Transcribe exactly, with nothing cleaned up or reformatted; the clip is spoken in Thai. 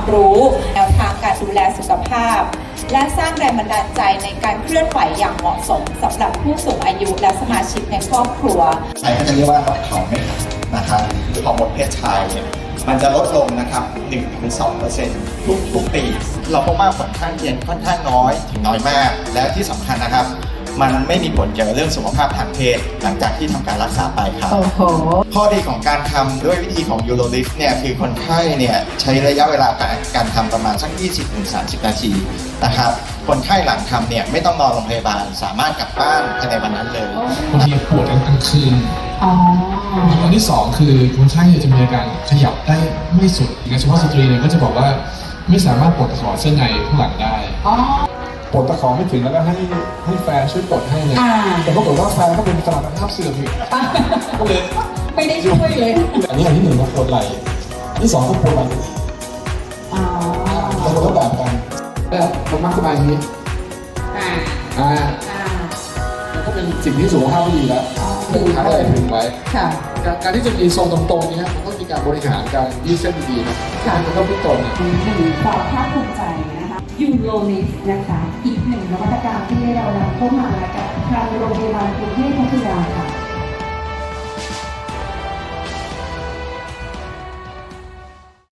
รู้แนวทางการดูแลสุขภาพและสร้างแรงบันดาลใจในการเคลื่อนไหวอย่างเหมาะสมสำหรับผู้สูงอายุและสมาชิกในครอบครัวไทยก็จะเรียกว่าแบบเขาไม่ขัดนะครับหรือฮอร์โมนเพศชายเนี่ยมันจะลดลงนะครับ หนึ่งถึงสองเปอร์เซ็นต์ ทุกทุกปีเราพบว่าผลข้างเคียงค่อนข้างน้อยถึงน้อยมากและที่สำคัญนะครับมันไม่มีผลเกี่ยวกับเรื่องสุขภาพทางเพศหลังจากที่ทำการรักษาไปครับข้อดีของการทำด้วยวิธีของ Urolift เนี่ยคือคนไข้เนี่ยใช้ระยะเวลาการการทำประมาณสัก ยี่สิบถึงสามสิบ นาทีนะครับคนไข้หลังทำเนี่ยไม่ต้องนอนโรงพยาบาลสามารถกลับบ้านภายในวันนั้นเลยบางทีปวดกลางคืนอันที่สองคือคนไข้จะมีอาการขยับได้ไม่สุดในเฉพาะสตรีเนี่ยก็จะบอกว่าไม่สามารถปลดตะขอเส้นในข้างหลังได้ปลดตะขอไม่ถึงแล้วก็ให้ให้แฟนช่วยปลดให้เลยแต่ปรากฏว่าแฟนก็เป็นตลาดภาพเสื่อมอีกก็เลยไม่ได้ช่วยเลยอันนี้อันที่หนึ่งก็ปวดไหล่ที่สองก็ปวดไหล่เราคนละแบบกันแล้วผมมักสบายนี้อ่าอ่าก็เป็นสิ่งที่สุขภาพดีแล้วถึงท้ายอะไรถึงไว้การที่จะมีทรงตรงๆนี้มันต้องมีการบริหารการยืดเส้นดีๆนะมันต้องพิจารณาหนึ่งความภาคภูมิใจนะคะยูโรลิฟนะคะอีกหนึ่งนวัตกรรมที่เรานำเข้ามากับทางโรงพยาบาลกรุงเทพพัทยาค่ะ